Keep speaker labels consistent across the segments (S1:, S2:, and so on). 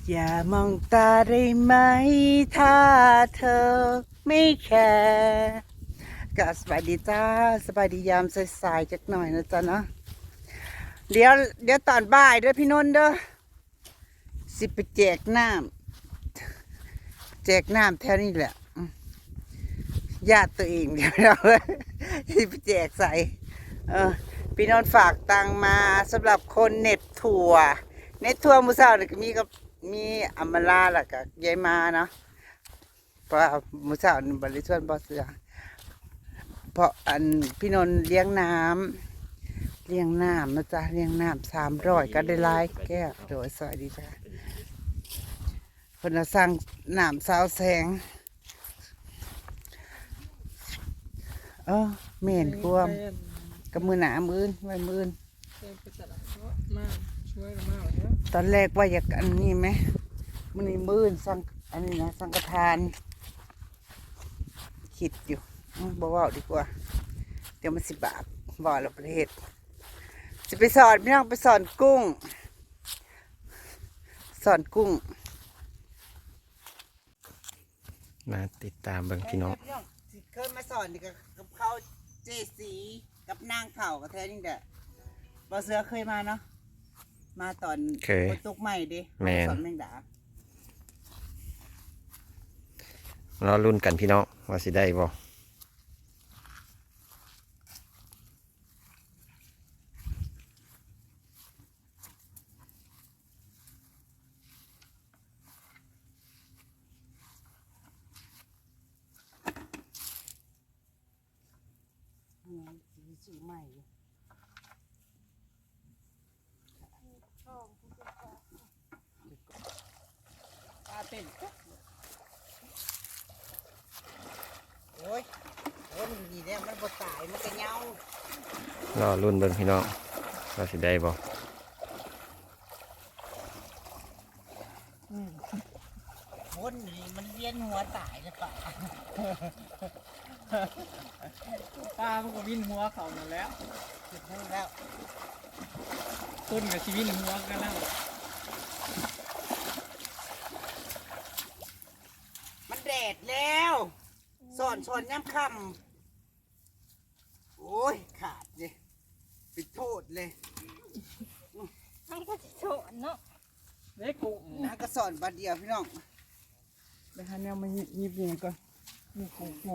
S1: อย่ามองตาได้ไหมถ้าเธอไม่แคร์ก็สบายดีจ้าสบายดียามสายๆจักหน่อยนะจ๊ะเนาะเดี๋ยวตอนบ่ายเด้อพี่นนท์เด้อสิไปแจกน้ำแถวนี้แหละญาติตัวเองเดี๋ยวเราสิไปแจกใส่พี่นนท์ฝากตังมาสำหรับคนเน็ตทัวร์มื้อเช้านี่ก็มีอำมาลาล่ะกับยายมาเนาะเพราะมื้อเช้านี่บริสุทธิ์บ่เสือเพราะพี่นนท์เลี้ยงน้ำนะจ๊ะเลี้ยงน้ำ300ก็ได้หลายแก้วโดยสวัสดีจ้ะเพิ่นสั่งน้ำสาวแสงแม่นความกับมือหนามื้อไว้มื้อตอนแรกว่าอยากอันนี้ไหมมื้อนี้มื้อสั่งอันนี้นะสังฆทานคิดอยู่บ่เว้าดีกว่าเดี๋ยวมันสิบาปบ่ละประเทศสิไปสอนพี่น้องไปสอนกุ้ง
S2: มาติดตามเบิ่งพี่น้อง
S1: เคยมาสอนนี่กับเขาเจสีกับนางเข่ากับแท้นี่แหละบ่เสือเคยมาเนาะมาตอนฝนตกใหม่ดิสอนแมงดาร
S2: อรุ่นกันพี่น้องว่าสิได้บ่
S1: สีใหม่ปลาเป็นโอ้ยมันดีเนี่ยมันบ่ตายมันก็เงาร
S2: อรุ่นเบิ่งพี่น้องว่าสิได้บ่
S1: คนนี่มันเลี้ยนหัวตายหรือเปล่า
S3: ป้ามันก็วินหัวเขาหมดแล้ว
S1: จุดนั้นแล้ว
S3: ต้นกับชีวิตหัวกันแล้ว
S1: มันแดดแล้วสอนย้ำคำโอ้ยขาดเลยปิดโทษเลย
S4: มันก็จะโฉนเนาะ
S3: เด็กกู
S1: นะก็สอนบาดเดียวพี่น้องไปหาแนวมายิบยิงก่อน
S3: นี่กู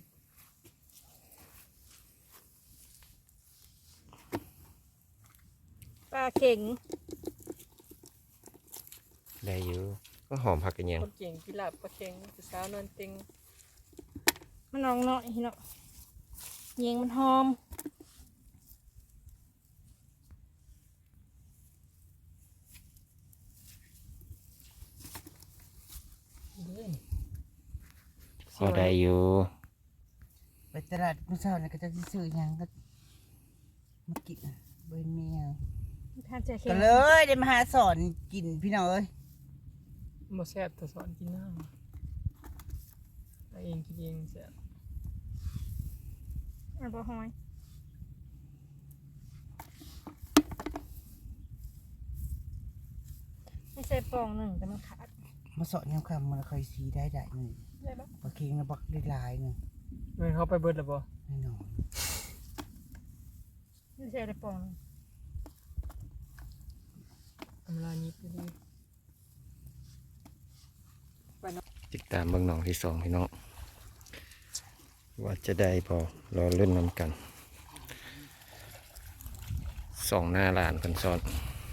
S4: ปลาเข่ง
S2: ได้อยู่ก็หอมผักกันยัง
S3: คนเก่งกีฬาปลาเข่งจะสาวนวลติง
S4: มันนองเนาะเนาะเยียงมันหอม
S2: ก็ได้อยู่
S1: ไปตลาดมื้อเช้านี่ก็จะซื้อหยังก็มากินเบิ่งแมวก็เลยได้มาหาสอนกินพี่น้องเอ้ย
S3: มาแซ่บแต่สอนกินน้ำเองกินเองแซ่บ
S4: บ่หอยไม่ใช่ปองหนึ่งแต่มันขาด
S1: มาสอนย้ำคำมันค่อยสีได้หนึ่งปลาเค็งนะบักได้หลายหนึ่ง
S3: เงินเขาไปเบิดแล้วบ่
S1: แน่นอน
S4: ไม่ใช่ได้ปอง
S3: อำลานี้ไปเลย
S2: ติดตามเบิ่งน้องที่2พี่น้องว่าจะได้พอรอรุ่นนำกัน2หน้าหลานเพิ่นสอน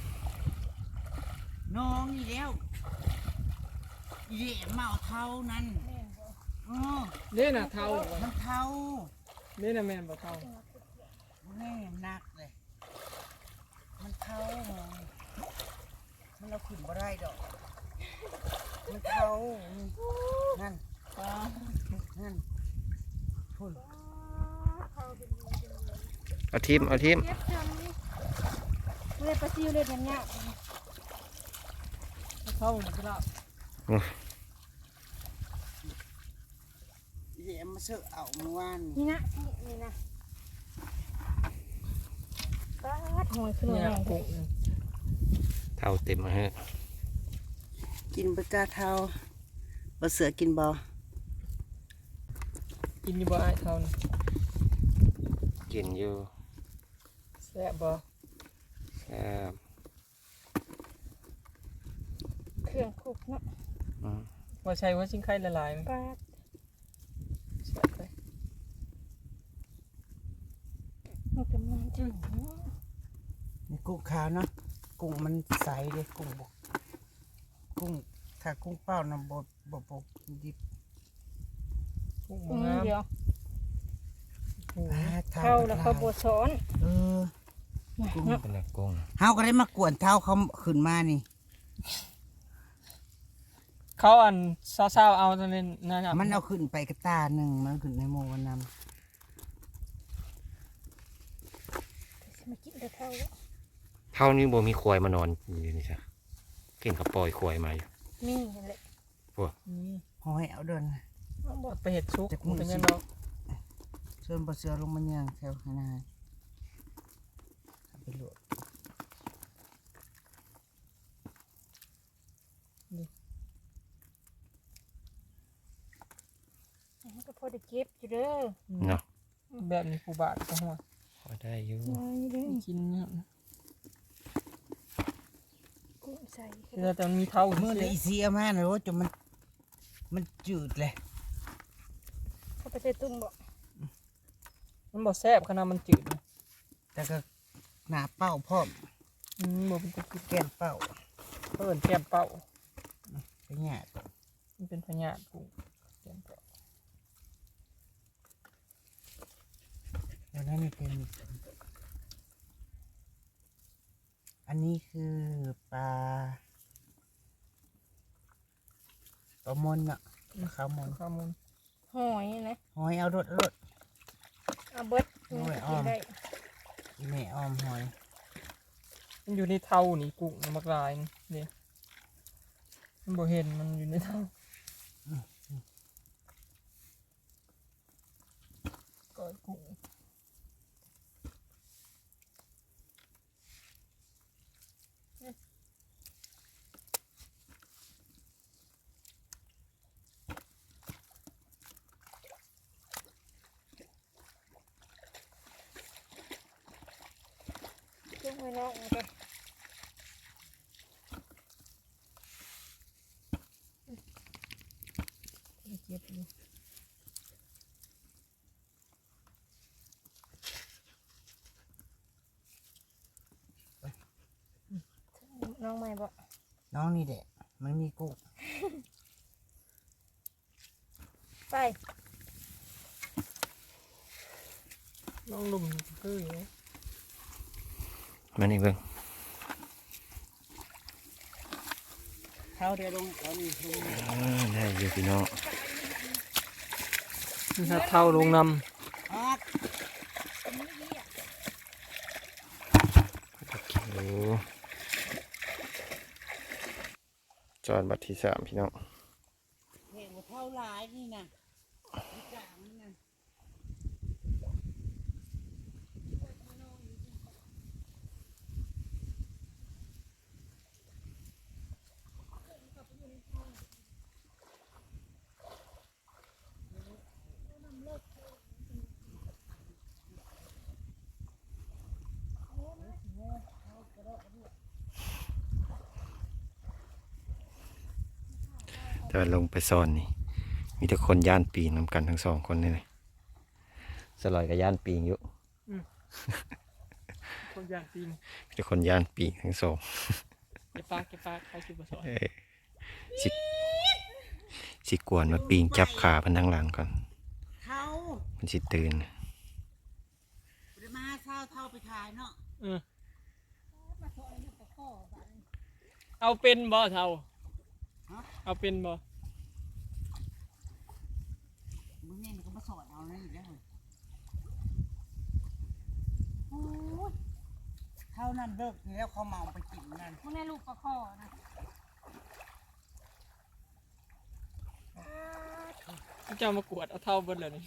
S1: น้องนี่แล้วเย่เมาเท่านั้น
S3: เล่นน่ะเท่า
S1: มันเท่า
S3: เล่นน่ะแม่นบ่เท่า
S1: แม่นักเลยมันเท่ามันเราขึ้นบ่ได้ดอกมันเท่านั่นพุ่น
S2: เอาทีม
S4: เลยปลาซิวเลยเนี่ย
S3: เท่านี่กีฬา
S1: เย่มาเสือเอาเมื่อวาน
S4: นี่นะปลาหอยขึ้นมา
S3: กู
S2: เท่าเต็มมาฮะ
S1: เจกินบ่จ้าเท่าบ่เสือกินบ่
S3: กินอยู่บ่ไอ้เท่านี่
S2: กินอยู่
S3: แซ่บบ่
S2: แซ่บ
S4: เครื่องคลุกเนาะ
S2: อืม
S3: ว่าใช้ว่าชิ้นไข่ละลายมั้ย
S4: ปลาด
S3: แซ่บเลย
S4: มันกำลังถึงเนาะ
S1: นี่กุ้งขาวเนาะกุ้งมันใสเลยกุ้งบกกุ้งถ้ากุ้งเป้านะบ่ดิบ
S3: กุ้งบ่งาม
S4: เดียว
S3: โอ้โห
S4: เข้าแล้วเขาบดสอน
S1: เออ
S2: เป็นแหล่งกุ้ง
S1: เฮาก็ได้มากวนเท้าเขาขึ้นมานี่
S3: เขาอันเศร้าๆเอาตอนนี้นั่นน่ะ
S1: มันเอาขึ้นไปกระตาหนึ่งมันขึ้นในโมวันน
S4: มากินแต่เท่า
S2: เท่านี้บ่มีควายมานอนอยู่นี่จ้ะเก่งกับปล่อยควายมาอยู่
S4: นี่นั่นแหละ
S3: นี่
S1: ำหอยเอาเดิน
S4: เอาบ
S3: เอา
S4: ด
S3: ไปเห็ดซุก
S1: จากมื้อ
S3: เป็น
S1: สิ
S3: ยังดอก
S1: เชิญบ่เสือลงมาย่างแถวข้างหน้าเอาไปลวก
S4: ก็พอได้เก็บอยู่เด้อ
S2: เนาะ
S3: แบบนี้ผู้บาทก็หัว
S2: พอได้อยู่
S4: นี่เด้อ
S3: กินเนี่ย
S4: กุ้งใส่
S3: แต่มันมีเท่า
S1: เมื่อไหร่อีเสียมานะว่าจนมันจืดเลย
S4: เขาไปใส่ตุ้มบ่
S3: มันบ่แซ่บขนาดมันจืดนะ
S1: แต่ก็หนาเป้าพร้อม
S3: บ่เป็นตะกิน
S1: แก้มเป้า
S3: เพิ่นแก้มเป้า
S1: ไปแง่ก่อน
S3: มันเป็นพญาติกุ้งแก้มเป้า
S1: แล้วนั่นนี่เป็นอันนี้คือปลามนเนาะข้าวมน
S3: ข้าวมูล
S4: หอยนะ
S1: หอยเอารถ
S4: เอาเบิด
S1: โอ้ยอ้
S4: กิ
S1: อม
S4: นได้
S1: อีแม่อ้อมหอย
S3: มันอยู่ในเท่านี่กุ้งมันมักลายนี่มันบ่เห็นมันอยู่ในเท่าก้อยกุ้ง
S4: กุ้งไว้นอกมันก็
S3: เก็บอยู่
S4: น้องใหม่บ่
S1: น้องนี่แหละมันมีกุ้ง
S4: ไป
S3: น้องลุมคืออยู่
S2: มานี่เบิ่ง
S1: เท้าเดียวลงเขานี่ลง
S2: ได้อยู่พี่น้อง
S3: นี่ถ้าเท่าลงน
S1: ออก
S2: โอ้จอดบัตรที่3พี่น้อง
S1: เห็นว่าเท่าหลายนี่นะที่กลางนี่นะ
S2: แต่ว่าลงไปซ่อนนี่ มีแต่คนย่านปีนนำกันทั้ง2คนนี่เลยสลอยกับย่านปีนอยู่
S3: ำคนอย่างตีน
S2: มีแต่คนย่านปีนทั้งสอง
S3: เก็บปากใครสิบ่สอน
S2: สิสิกวนมาปีนจับขาพันทั้งหลังก่อน
S1: เท่า
S2: มันสิตื่น
S1: ปริมาเท่าไปขายเนาะ
S3: เอาเป็นบ่เท่าเอาเป็นบ่
S1: มึงเนี่ยก็มาสอนเอาเลยอีกแล้วโอ้ยเท่านั้นเลิกแล้วเขาเมาไปกินนั่น
S4: มันในลูกปลาคอนะ
S3: เจ้ามากวดเอาเท่าเบิดเลยนี่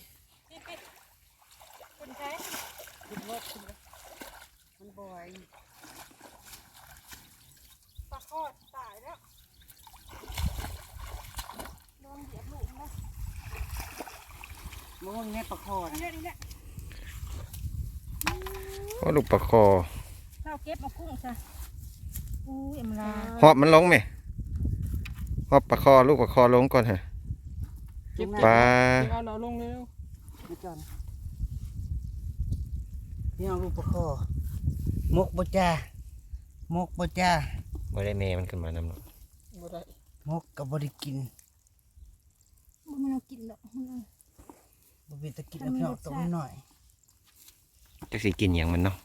S4: คนใช้
S1: ขึ้นรถขึ้นรถมันบ่อย
S4: ปลาคอตายแล้ว
S1: มองแม่ปลาคอนะ
S4: นี่แหละ
S2: โอ้ลูกปลาคอ
S4: เราเก็บมากุ้งซะอุ้ยอำลา
S2: หอบมันลงไหมหอบปลาคอลูกปลาคอลงก่อนฮะ
S3: เก็บ
S2: ปลา
S3: เอาเราลงเร็ว
S1: ไม่จอนนี่เอาลูกปลาคอมกบ่จ้ามกบ่จ้า
S2: ไม่ได้แม่มันขึ้นมานำหรอก
S3: บ่ได้
S1: มกกับบ่ได้กิน
S4: บ่มันเอากินดอกมันเอา
S1: บ่เป็นตะกินแล้วพี่น้องต้มหน่อย
S2: จะสิกินอย่างมันเนาะ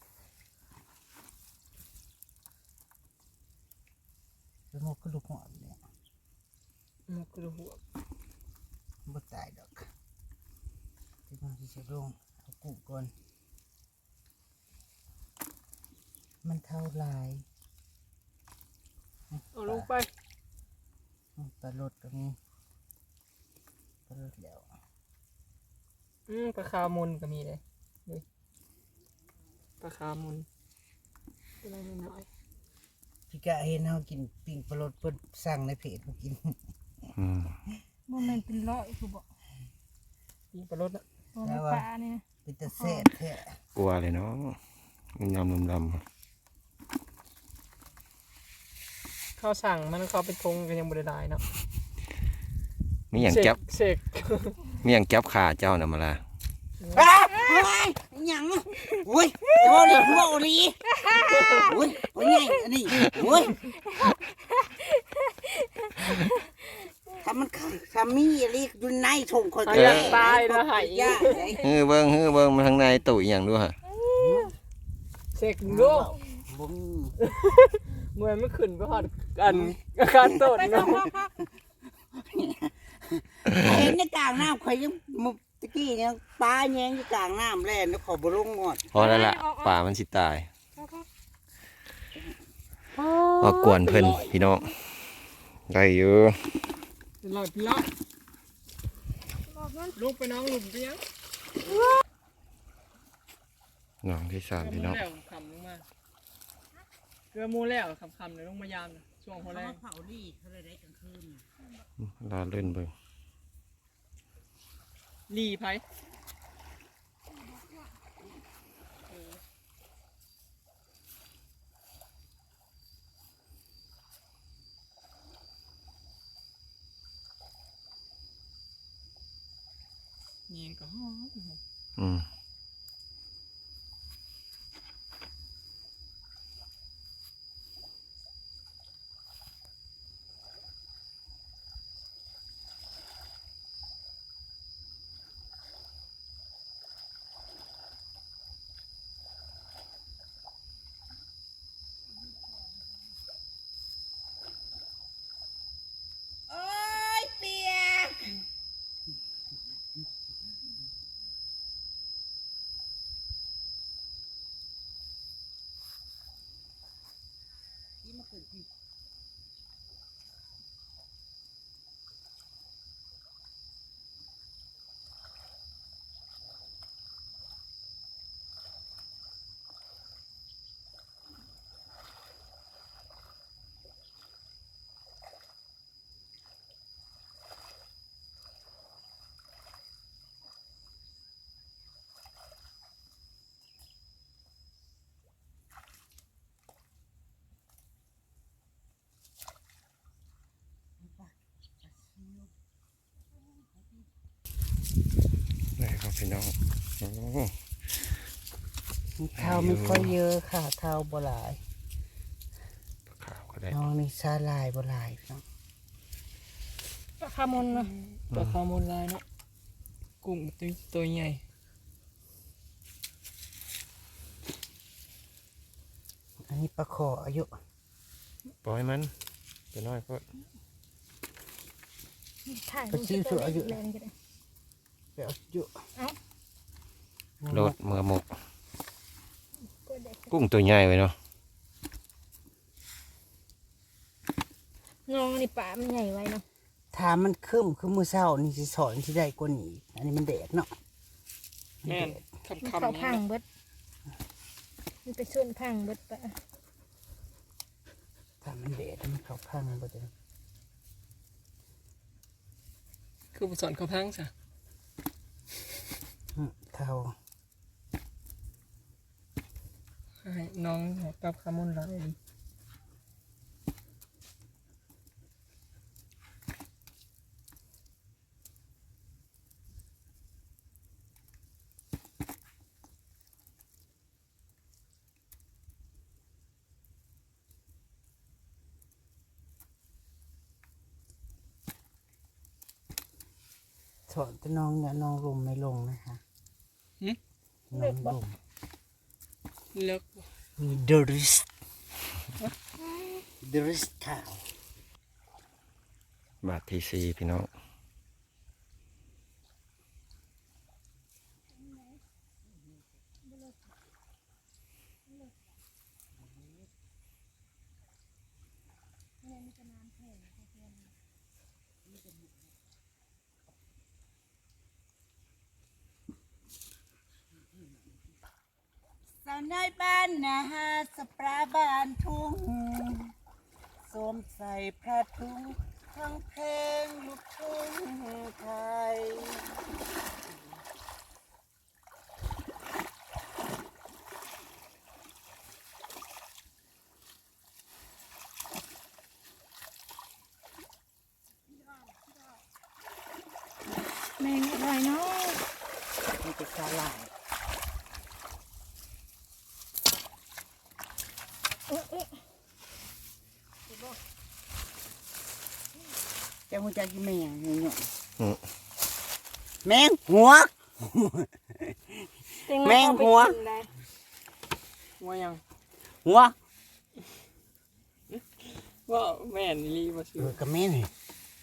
S1: แล้วมกก็ลูกหอมเนี่ย
S3: มันกระหัว
S1: บ่ตายดอกที่น้องสิเช็ดลงเอากุ้งก่อนมันเท่าไร
S3: เอาลงไป
S1: ปลาลดก็มีปลาลดแล้ว
S3: ปลาคาร์มุนก็มีเลยดูปลาคาร์มุนตัวน้อย
S1: พี่กะเห็นเฮากินปิ้งปลาลดเพิ่นสั่งในเพจมากิน
S2: อืม
S4: บ่แม่นเป็นร้อยคือบ่
S3: ๆยิงปลารสอ่ะ
S4: บ่แม่นปลานี่นะ
S1: เป็นตะแซ่บแท้
S2: กลัวเลยเนาะมันยำลำ
S3: ข้าวสั่งมันเขาเป็นทงกันยังบริได้เนาะ
S2: มีอย่างแก๊บ
S3: เสก
S2: มีอย่างแก๊บขาเจ้าน่ะมาละ
S1: อ้าวเฮ้ยหยังโอ้ยจะบ่ได้บ่ดีโอ้ยโอ้ยไงอันนี้โอ้ยถ้ามันถ้ามีอะไรอยู่ในถุงคน
S3: ตายแล้วหาย
S1: ยากเลย
S2: เฮ้ยเบิ้งมาทางในตุ๋ยอย่างด้วยฮะ
S3: เสกดู
S1: บ่มี
S3: เมื่อไม่ขึ้นไปหอดกันอาการต้น
S4: ไป
S3: เนาะ
S1: เห็นในกลางน้ำข่อยยังมุกตะกี้เนี่ยปลาแยงอยู่กลางน้ำแล่นแล้วขอบ่ลงงอด
S2: พอแล้วล่ะป่ามันสิตายพอกวนเพิ่นพี่น้องได้อยู่
S3: ลอยพี่ละลูกไปน้องหลุมไปยัง
S2: น้องที่สามพี่น้อง
S3: แล้วคำลงมาเกลือมูแล้วคำเลยลงมายามช่วงหัวแรง
S1: เผาดีเขาเลยได้กลางคืน
S2: ลาเล่นเบิ่ง
S3: รีไพเงียงก็หอม
S2: อืม
S1: โอ้ยเปียกนี่มาขึ้นพี่
S2: ได้ครับพี่น้องโอ้
S1: เท้าไม่ค่อยเยอะค่ะเท้าบ่หลาย
S2: ปลาขาวก็ได้
S1: น้องนี่ซาลายบ่หลายพี่น้อง
S4: ปลาคาร์มอนนะ
S3: ปลาคาร์โมนลายเนาะกุ้งตัวใหญ่
S1: อันนี้ปลาขออายุ
S2: ปล่อยมันตัวน้อยก็
S4: ถ่าย
S1: ปลาซิวชั่วอายุ
S4: แรงจังเลย
S1: ไปเอาอายุ
S2: โลดมือหมก
S4: ก็ได้
S2: กุ้งตัวใหญ่ไว้เนาะ
S4: น้องนี่ปลามันใหญ่ไว้เนาะ
S1: ถ้ามันคึมคือมือเช้านี่สิสอนที่ได้กว่านี้อันนี้มันแดดเนาะ
S3: แม่น
S4: มัน
S3: คำ
S4: เขา
S3: ๆ
S4: พั
S3: นี่
S4: งเบิดมันไปส่วนพังเบิดปะ
S1: ถ้ามันแดดมันเข้าพังบ่ได้
S3: คือผสมข้าวพังซะ
S1: เท่า
S3: ให้น้องให้ปรับคามุนหลายดิ
S1: ถอดแต่น้องเนี่ยน้องลมไม่ลงนะคะน้องลม
S3: เลิก
S1: มีเดริสขาว
S2: บาทที่สี่พี่น้อง
S1: สาวน้อยบ้านนาสปราบ้านทุ่งสวมใส่ผ้าถุงทั้งเพลงลูกทุ่งไทย
S4: แมงอะไรเนาะ
S1: มีแต่สาหร่าย จะหัวใจกินแมงเงี้ยแมงหัว แมงหัว
S3: ว่ายัง
S1: หัว
S3: ว่าแม่นอีหลีบ่ชื่อ
S1: กับแม่นี่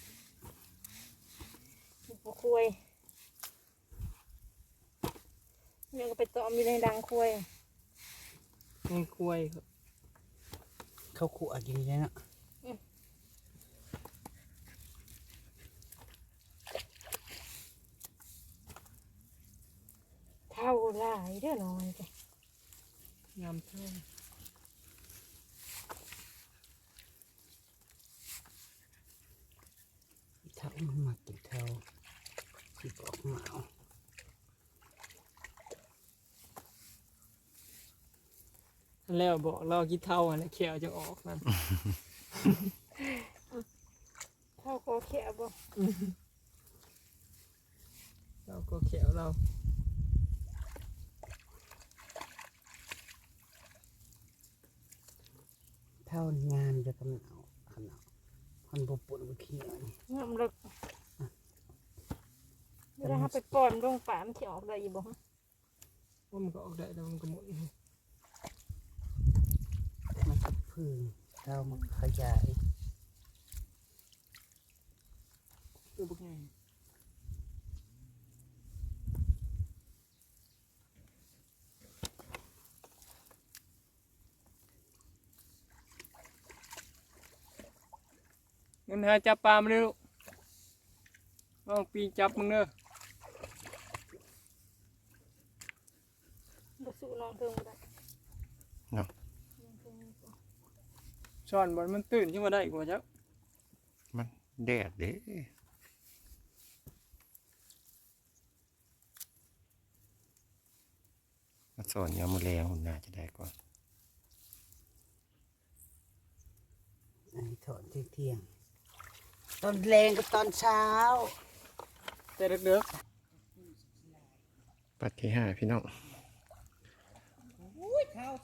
S4: บ่คุยเนี่ยก็ไปตอมอยู่ในดังคุย
S3: แม่งกล้วยครับ
S1: เขาขู่อากินได้เนาะ
S4: เท่าหลายเด้อน้อยจ้ะ
S3: ยามเท่า
S1: ถ้ามันมากินเท่าที่บอกหมา
S3: แล้วบอกเรากี่เท่าอันนี้เขียวจะออกนั่น
S4: เท่าก็แค่บ่
S3: เราก็เขียวเรา
S1: เท่างานจะกำลังเอาขนาดคนบุปุ่นบุเขียวนี่
S4: งามเลิกเวลาเราไปป้อนลงป่ามันสิออกได้อีบ่ฮะ
S3: ว่ามันก็ออกได้แต่มันก็หมด
S1: มันก็พึ่งเท่ามันขยาย
S3: ตัวบุกไงเงินหาจับปลามาเลยลูกลองปีจับมึงเด้อ
S4: บ่สู้น้องเทิงบ่ได้
S3: ช้อนบอลมันตื่นขึ้นมาได้กว่าจัก
S2: มันแดดเด้มาสอนยามมื้อแลงหุ่นน่าจะได้ก่อน
S1: อันนี้ถอนเที่ยงตอนแรงกับตอนเช้า
S3: แต่เด็ก
S2: ปัดที่ห้าพี่น้อง
S1: อุ้ยเท่า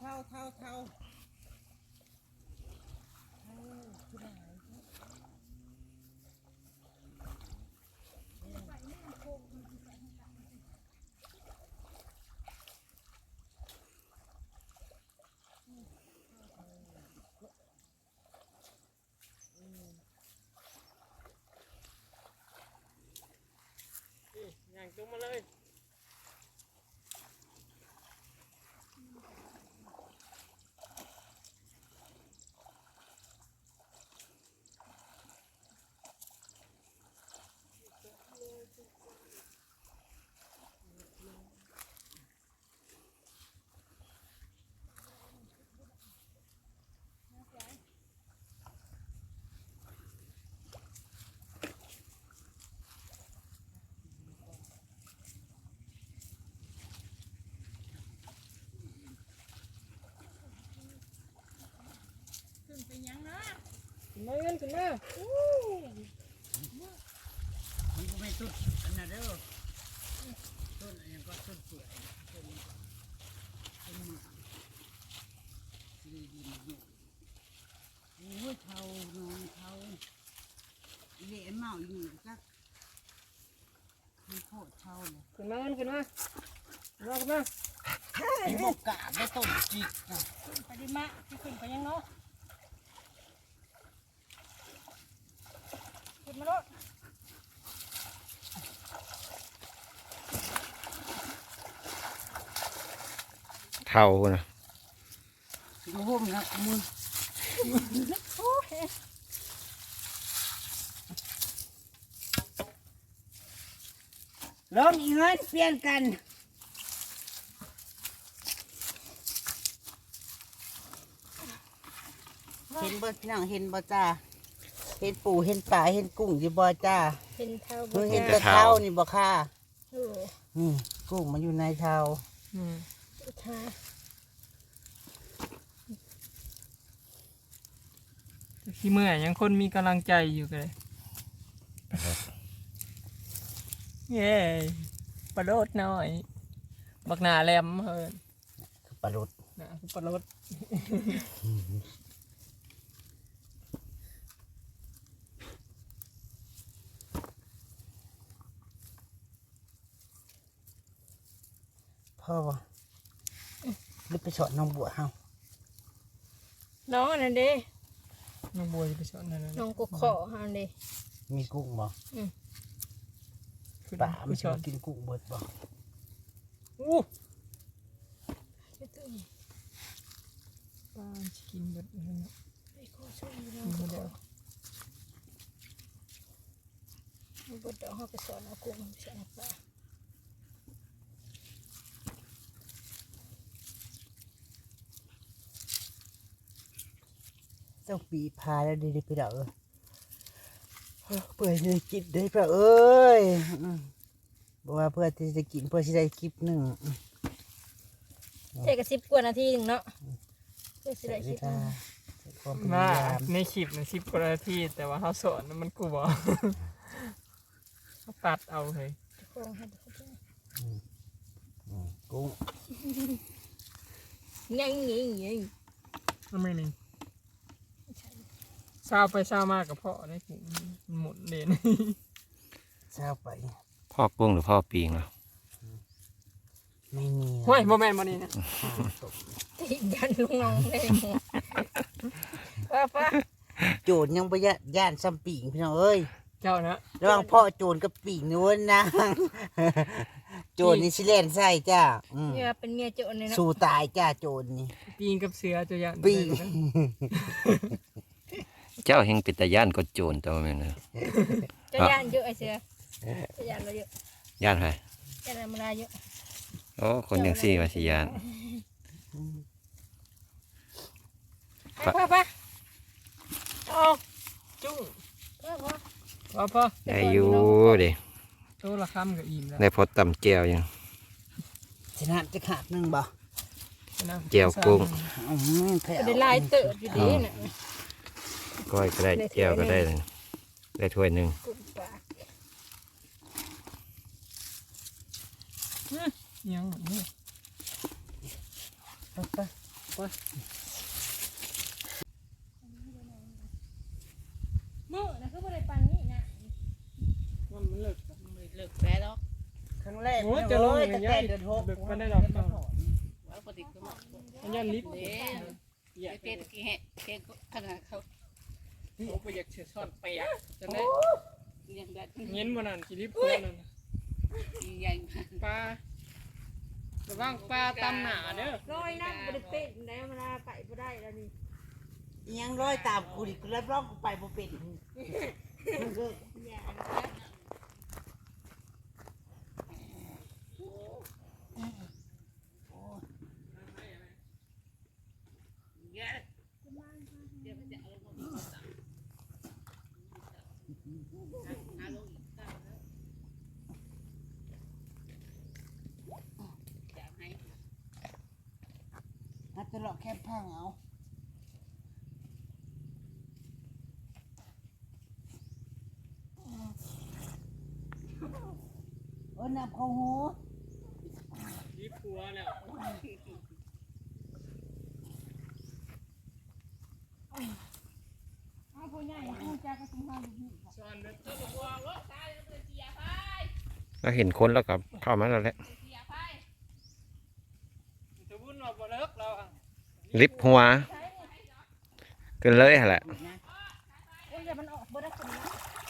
S3: ๆอย่างตรงมาเลยขึ้นมาเงินขึ้นมา
S1: มันก็ไม่สุดอันนั้นเด้อต้นอันนี้ก็ต้นเปื่อยต้นนี้ก็ต้นหมากดีดีมาอยู่โอ้ยเท่านอนเท่าเละเมาอยู่จักมันโคตรเท่าเลย
S3: ขึ้นมาเงินขึ้นมาขึ้นมา
S1: ไอ้บกกาไม่ต้นจิกนะ
S4: ไปดิมะที่ขึ้นไปยังเนาะขึ้นมาโลด
S2: เท่านะ
S1: ถึงห่มนะมือ
S4: โอ้ย
S1: ลงอีกเงินเปลี่ยนกันเห็นบ่พี่น้องเห็นบ่จ้าเห็นปูเห็นปลาเห็นกุ้งอยู่บ่จ้า
S4: เป็นเท้า
S1: เพิ่งเห็นแต่เท้านี่บ่ค่ะ
S4: โอ้
S1: นี่กุ้งมันอยู่ในเท้า
S4: ท้า
S3: ขี้เมื่อยยังคนมีกำลังใจอยู่กันเลยเย้ปลาโลดหน่อยบักหนาแหลมเฮ้ย
S1: ปลาลุด
S3: นะปลาโลด
S1: พ่อบ่หรือไปสอนน้องบัวเฮา
S4: น้องอันนั้นเด้
S3: น้องบัวจะไปสอนนั่นนะ
S4: น้องกุกขออันนั้นเด้
S1: มีกุ้งบ่
S3: ขึ้น
S1: ป่า
S3: ไป
S1: มัน
S3: ส
S1: สิ
S3: อน
S1: กินกุ้งเบิดบ่
S3: อู้
S4: จะตื่น
S3: ปลาจะกินเบิดเลยนะ
S4: ไอ้ข้อช่วยน้
S3: กิ
S4: อน ง
S3: หม
S4: กุ
S3: ด
S4: กข
S3: แล้
S4: อ
S3: ว
S4: มันบดดอกเขาไปสอนเอากุ้งไปสอนเอาปลา
S1: เจ้าปีพาแล้วดีๆไปดอกเปื่อยเลยกินได้ป่ะเอ้ยบอกว่าเพื่อที่จะกินเพื่อที่ได้คลิปหนึ่ง
S4: เทกับ10 กว่านาทีหนึ่งเนาะเพื่อสิ
S1: ใส่
S4: ได้
S1: เว
S4: คลิป
S1: ลาใส่ความพ
S3: มาย
S1: ายาม
S3: ในคลิปนะ10 กว่านาทีแต่ว่าเขาสอนน่ะมันกูบอกเขาตัดเอาเลย
S4: โค้งให้ดูเขาด้วย
S1: กุ้ง
S4: ยัง
S3: ทำไมนี่เศร้าไปเศร้ามากกับพ่อได้กูมันหมุนเด่น
S1: เช้าไป
S2: พ่อกุ้งหรือพ่อปีงเนาะ
S1: ไม่มี
S3: ห้วยโมแมนต์มานี่นะ
S4: ติดยันลุงน้องเลยป้า
S1: โจรยังประหยัดย่านซ้ำปีงพี่น้องเอ้ย
S3: เจ้านะ
S1: ระหว่างพ่อโจรกับปีงนู้นนะ โจรนี่ชิเลนใส่จ้า
S4: เนี่ยเป็นเมียโจรเลยเนาะ
S1: สู้ตายจ้าโจรนี่
S3: ปีงกับเสือจะยัน
S1: ปีง
S2: เจ้าแห่งปิตาย่านก็โจรตัวแม่นเนอะ
S4: จะยานเยอะไอ้เสือจะยานเราเยอะ
S2: ย่านใคร
S4: ยานมาลาเยอะ
S2: โอ้คนยังสี่มาสิย่าน
S4: ป้า
S3: ออกจุ้งพ่อ
S2: ได้อยู่เด้
S3: โตละคำกับอิ่มแล้ว
S2: ได้พอตำแก้วยัง
S1: ชนะจะขาดหนึ่งบ่
S3: นะ
S2: แจ่วกุ้ง
S1: แผ่ว
S4: ได้ลายเติบอยู่ดีน่ะ
S2: ก้อยก็ได้แก้วก็ได้เลยได้ถ้วยหนึ่ง
S4: กุ่มปาก
S3: ยังนี่
S1: ไป
S4: มื้อนะคือบ่ได้ปันนี่นะ
S3: มันเลิก
S5: เลิกแพ้แล้ว
S1: ครั้งแรก
S3: โอ้ยจะลง
S1: เล
S3: อย ย่าง
S1: ตั้ง
S3: เงี้
S1: แต่
S3: ย
S1: เดือนหก
S3: เบิกมันได้ดอกเนาะ
S5: ว่าปกติก็มา
S3: อันยันลิฟต์
S5: เด้ไอ้เป็ดกี่แห่เก่งขนาดเขา
S3: เขาไปอยากเชื่อซ่อนเปียกจะได้
S5: ยังได้
S3: เงี้ยมันนั่นสิลิฟต์ตัวนั่น
S5: ใหญ่มาก
S3: ปลาระวังปลาตำหนาเด้อ
S4: ร้อยนั่งบ่ได้เป็นได้เวลาไปบ่ได้แล้วนี่
S1: ยังร้อยตามกูดิกูรับรองกูไปบ่เป็น
S4: อย่า
S5: เยอะเดี๋ยวมันจะเอาลงมาหาลงอีกอยากให้
S1: นัดตลอดแค่พังเอาอ้น้ำเข้าหู
S3: รีบผัวแล้ว
S4: เอาผู้ใหญ่ผู้จ้ากระตุ้งห้าอยู่
S3: สอนเด็ด
S5: ตัวบัวรถตายมันเสียไป
S2: เราเห็นคนแล้วก็เข้ามาแล้วแหละ
S5: เสียไป
S3: จะวุ่นออกบ่เลิกเราอ่ะ
S2: ลิฟต์หัวเกินเลยหั่นแหละ
S4: โอ้ยอย่ามันออกบ่ได้คนนี้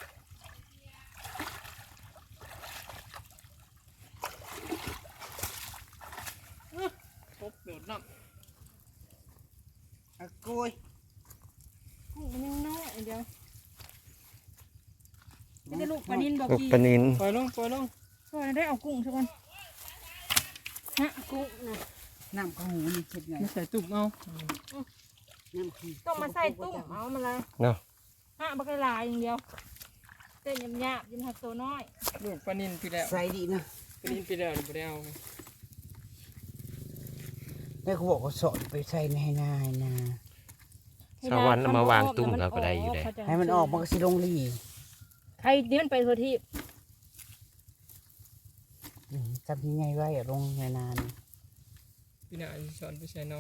S3: พบโดดน้
S1: อะกุย
S4: มันยังน้อยเดียวจะได้ลูกปลานินบอก
S2: ลูก
S4: กี่
S2: ปลานิน
S3: ำปล่อยลงปล่อยลง
S4: ก็ได้เอากุ้งสักคนฮะกุ้งนะ
S1: น้ำเข้าหูนี่เช็ดไง
S3: ไม่ใส่ตุ่มเอา
S1: น้ำขี้
S4: ต้องมาใส่ตุ้มเอามาเลย
S2: เนาะ
S4: ฮะบักลายอย่างเดียวเต้นยำยาบยินหักตัวน้อย
S3: ลูกปลานินพี่แล้ว
S1: ใส่ดีนะ
S3: ปลานินพี่แล้วไม่ได้เอา
S1: แม่เขาบอกว่าสอนไปใส่ในนาให้นา
S2: สวรรค์เอามาวางตุ้มเราก็ได้อยู่ได้
S1: ให้มันออกมันก็สิลงรี
S4: ใครนี่มันไปทัวที่
S1: จำยังไงไว้อะลงในนานี่
S3: พี่น่าสอนไปใส่น้อง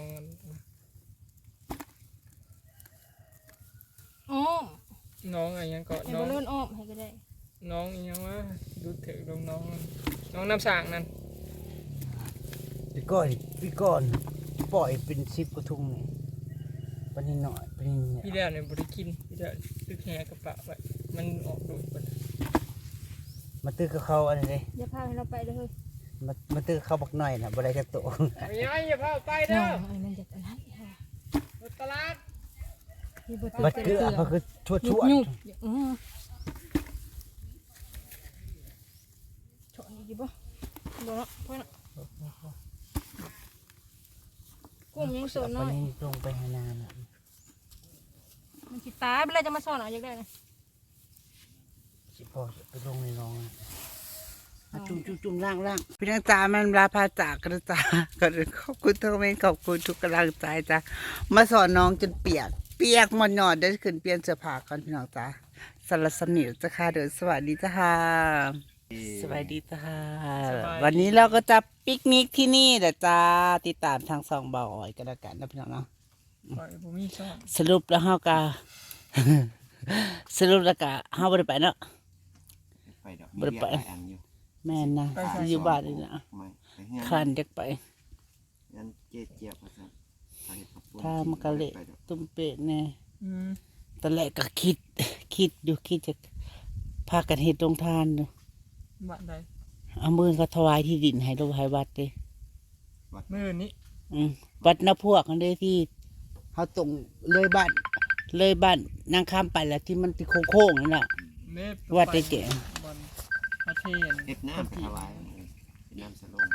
S4: อ้อม
S3: น้องอะไรยังเกาะ
S4: ให้
S3: น้
S4: บ
S3: อง
S4: อลลูนอ้อมให้ก็ได้
S3: น้องอีหยังวะดูเถอะลงน้องน้องน้ำสางนั่น
S1: พี่ก้อนปล่อยเป็น10 กระทุงนี่ปนิดหน่อยปนิดเนี่ย
S3: พี่แล้วเนี่ยบริกินพี่แล้วตึกแหกระปะไว้มันออกดูดไป
S1: มาตื้อกับเขาอันนี้เลย
S4: อย่าพาให้เราไปเลย
S1: มาตื้อเขาบักหน่อยนะบ่ได้จะโต
S3: ไม่ย้ายอย่าพาไป
S4: เนา
S3: เด้อ
S4: มันจะอันนั้น
S3: รถตลาด
S4: มีบท
S1: บัดเกลือเขาคือชั่ว
S4: ยุ
S1: ชั่
S4: บ
S1: ว
S4: ยุบโฉนดีป่ะบ่เนาะพ่อเนาะกุ้งยังโซน
S1: ป
S4: น้อย
S1: นิดลงไปให้นาน่ะ
S4: มันสิตายเป็นไรจะมาสอนเอาอยากได้นะ
S1: สิพอไปลงในน้องอะจุ่มล่างพี่น้องจ๋ามันลาพาจากกันจ้าก็ขอบคุณทุกเมนขอบคุณทุกกำลังใจจ้ามาสอนน้องจนเปียกหมดหนอดได้ขึ้นเปลี่ยนเสื้อผ้าก่อนพี่น้องจ๋าสารสนิทจ้าค่ะเดินสวัสดีจ้าค่ะสวัสดีจ้าค่ะวันนี้เราก็จะปิกนิกที่นี่เดี๋ยวจ้าติดตามทาง2บ่อยกันแล้วกันนะพี่น้องเนาะ
S3: ปล่อยผมมีช่อง
S1: สรุปแล้วเฮาก็ สรุปแล้วก็เฮาบ่ได้ไปเนาะ
S2: ไปดอก
S1: บ่ได้ไป
S2: อันอยู่
S1: แม่นนะอยู่บ้านนี่นะ
S2: ไม่ไปเฮีย
S1: คันจักไป
S2: ยันเจี๊ยบว่าซั่นไปกับปุ่น
S1: ถ้ามนกะเละตุ้มเป็ดแน่
S3: อืม
S1: ตอนแรกก็คิดอยู่คิดจะพากันเฮ็ดโรงทานอยู่
S3: บ้านใด
S1: เอามือก็ถวายที่ดินให้โรงให้วัดเด้
S3: มื้อนี้
S1: วัดนาพวกกันเด้ที่เฮาตรงเลยบ้านนางข้ามไปแล้วที่มันที่โค้งๆนั่นน่ะ
S3: เม็ด
S1: วัดได้แก่
S3: บอลพระเทน
S2: เฮ็ดน้ำไปถวายเป็นน้ำสโลง